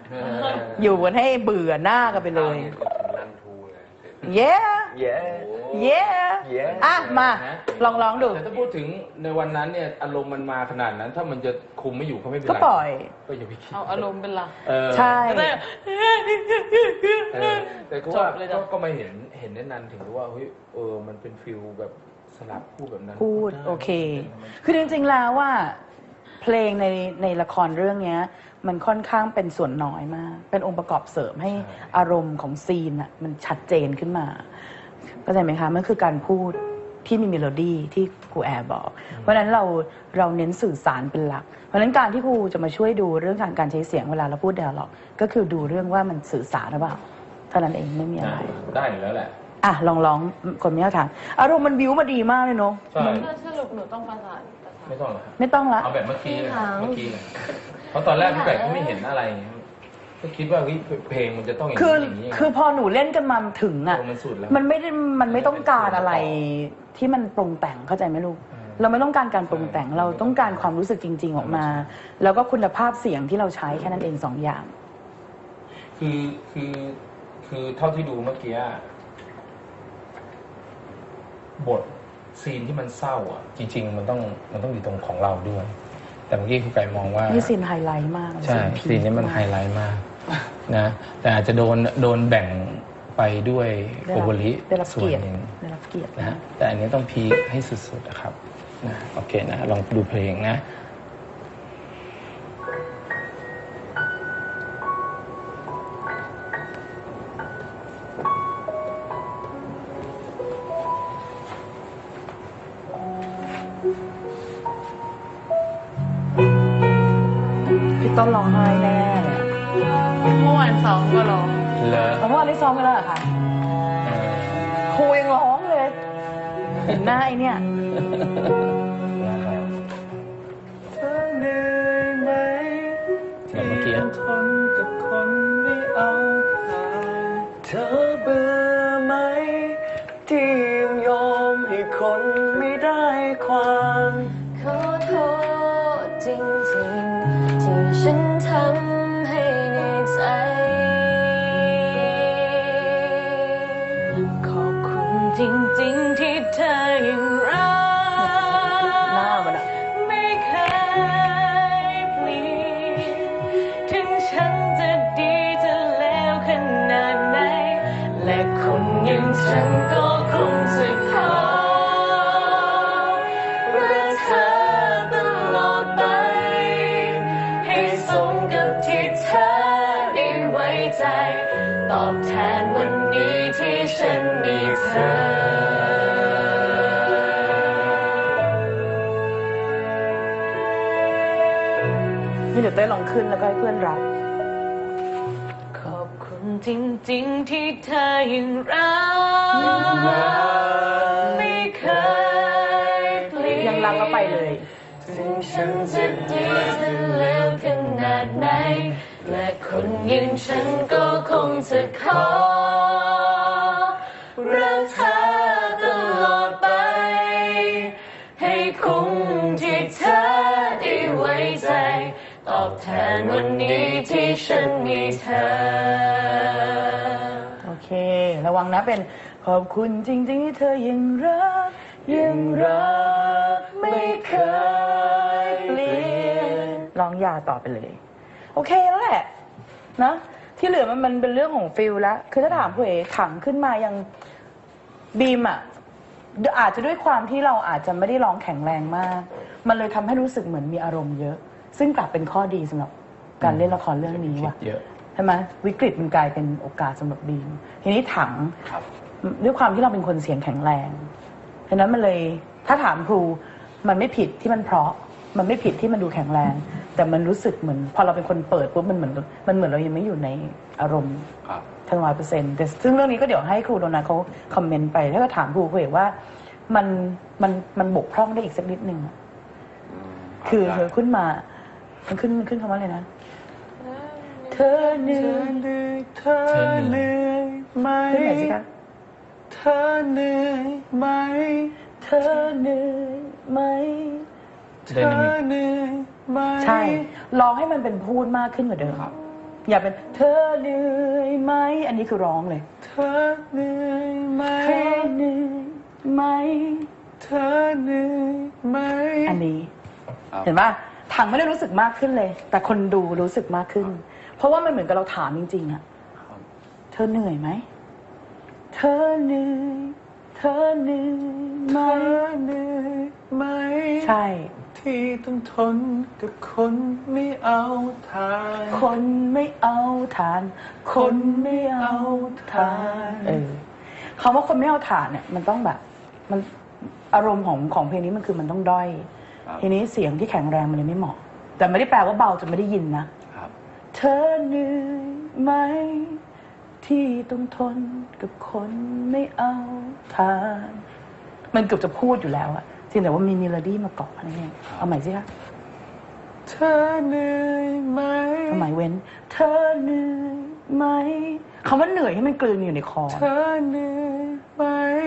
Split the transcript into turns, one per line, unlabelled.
อยู่กันให้เบื่อหน้ากันไปเลยเย้เย้อ่ะมาลองดู
แต่ถ้าพูดถึงในวันนั้นเนี่ยอารมณ์มันมาขนาดนั้นถ้ามันจะคุมไม่อยู่ก็ไม่เป็นไร
ก็ปล่อย
ก็อย่าไปคิด
เอาอารมณ์เป็นหลัก
ใช่
แต่ก็มาเห็นแน่นันถึงว่าเฮ้ยมันเป็นฟิลแบบสลับพูดแบบนั้น
พูดโอเคคือจริงๆแล้วว่าเพลงในละครเรื่องนี้มันค่อนข้างเป็นส่วนน้อยมากเป็นองค์ประกอบเสริมให้อารมณ์ของซีนอ่ะมันชัดเจนขึ้นมาเข้าใจไหมคะมันคือการพูดที่มีเมโลดี้ที่ครูแอร์บอกเพราะฉะนั้นเราเน้นสื่อสารเป็นหลักเพราะฉะนั้นการที่ครูจะมาช่วยดูเรื่องการใช้เสียงเวลาเราพูดไดอะล็อกก็คือดูเรื่องว่ามันสื่อสารหรือเปล่าเท่านั้นเองไม่มีอะไร
ได้อยู่แล้วแหละ
อ่ะลองคนไม่เข้าทางอารมณ์มันบิ้วมาดีมากเลยเนาะ
สรุปหนูต้องประสาน
ไม่ต้องหรอ
ไม่ต้องละ
เอาแบบเมื่อกี้เลยเพราะตอนแรกพี่แบกก็ไม่เห็นอะไรก็คิดว่าเพลงมันจะต้องอย่างนี้
คือพอหนูเล่นกันมาถึงอ่ะมันไม่ต้องการอะไรที่มันปรุงแต่งเข้าใจไหมลูกเราไม่ต้องการการปรุงแต่งเราต้องการความรู้สึกจริงๆออกมาแล้วก็คุณภาพเสียงที่เราใช้แค่นั้นเอง2 อย่าง
คือเท่าที่ดูเมื่อกี้บทซีนที่มันเศร้าอ่ะจริงๆมันต้องอยู่ตรงของเราด้วยแต่เมื่อกี้ครูไก่มองว่า
นี่ซีนไฮไลท์มาก
ใช่ซีนนี้มันไฮไลท์มากนะแต่อาจจะโดนแบ่งไปด้วยโกโบริส่วนหนึ่งนะแต่อันนี้ต้องพีคให้สุดๆนะครับนะโอเคนะลองดูเพลงนะ
พี่ต้นร้องไห้แน่เลย
เมื่อวานซ้อมก็ร้อง
เมื่อวานได้ซ้อมกันแล้วเหรอคะครูยังร้องเลยเห็นหน้าไอ้เนี่ย
เธอเหนื่อยไหมที่ทนกับคนไม่เอาผ่านเธอเบื่อไหมที่ยอมให้คนไม่ได้ความ
ขอโทษจริงๆที่ฉันทำให้ในใจขอบคุณจริงๆที่เธอยังรักไม่เคยเปลี่ยนถึงฉันจะดีจะเลวขนาดไหนและคนอย่างฉันก็คงจะขอตอบแทนวันนี้ที่ฉันมีเธอ
นี่เดี๋ยวเต้ยลองขึ้นแล้วก็ให้เพื่อนรับ
ขอบคุณจริงๆที่เธอยังรักไม่เคยเปลี่ยน
ยังรักก็ไปเลย
ถึงฉันจะดีจะเลวขนาดไหนและคนอย่างฉันก็คงจะขอรักเธอตลอดไปให้คงที่เธอได้ไว้ใจตอบแทนวันนี้ที่ฉันมีเธอ
โอเคระวังนะเป็นขอบคุณจริงๆที่เธอยังรักไม่เคยเปลี่ยนร้องยาต่อไปเลยโอเคแล้วแหละนะที่เหลือมันเป็นเรื่องของฟิลแล้วคือถ้าถามผู้เอ๋ขังขึ้นมายังบีมอ่ะอาจจะด้วยความที่เราอาจจะไม่ได้ร้องแข็งแรงมากมันเลยทำให้รู้สึกเหมือนมีอารมณ์เยอะซึ่งกลับเป็นข้อดีสำหรับการเล่นละครเรื่องนี้ว่ะใช่ไหมวิกฤตมันกลายเป็นโอกาสสำหรับบีมทีนี้ถังด้วยความที่เราเป็นคนเสียงแข็งแรงฉะนั้นมันเลยถ้าถามครูมันไม่ผิดที่มันเพราะมันไม่ผิดที่มันดูแข็งแรงแต่มันรู้สึกเหมือนพอเราเป็นคนเปิดปุ๊บมันเหมือนเรายังไม่อยู่ในอารมณ์ทั้ง100%แต่ซึ่งเรื่องนี้ก็เดี๋ยวให้ครูโดนัทเขาคอมเมนต์ไปแล้วก็ถามครูเขาเองว่ามันบกพร่องได้อีกสักนิดนึงคือเธอขึ้นมามันขึ้นคำว่าอะไรนะเธอเหนื่อยไหมขึ้นไหนสิคะเธอเหนื่อยไหมเธอเหนื่อยไหมเธอเหนื่อยไหมใช่ร้องให้มันเป็นพูดมากขึ้นกว่าเดิมอย่าเป็นเธอเหนื่อยไหมอันนี้คือร้องเลย
เธอเหนื่อยไหม
เธอเหนื่อยไหม
เธอเหนื่อยไหม
อันนี้
ครับ
เห็นป่ะถังไม่ได้รู้สึกมากขึ้นเลย แต่คนดูรู้สึกมากขึ้น เพราะว่ามันเหมือนกับเราถามจริงๆอะ
ครับ
เธอเหนื่อยไหมเธอเหนื่อยเธอเหนื่อยไหม
เธอเหนื่อยไหม
ใช่
ที่ต้องทนกับคนไม่เอาทาน
คนไม่เอาทาน คนไม่เอาทานคำว่าคนไม่เอาทานเนี่ยมันต้องแบบมันอารมณ์ของเพลงนี้มันคือมันต้องด้อย
ครับ
ทีนี้เสียงที่แข็งแรงมันเลยไม่เหมาะ แต่ไม่ได้แปลว่าเบาจนไม่ได้ยินนะครับ เธอเหนื่อยไหมที่ต้องทนกับคนไม่เอาทาน มันเกือบจะพูดอยู่แล้วอะจริงแต่ว่ามีเมโลดี้มาเกาะอะไรเงี้ยเอาใหม่สิคะ
เธอเหนื่อยไหม
เอาใหม่เว้น เธอเหนื่อยไหมคำว่าเหนื่อยให้มันกลืนอยู่ในคอ
เธอเหนื่อย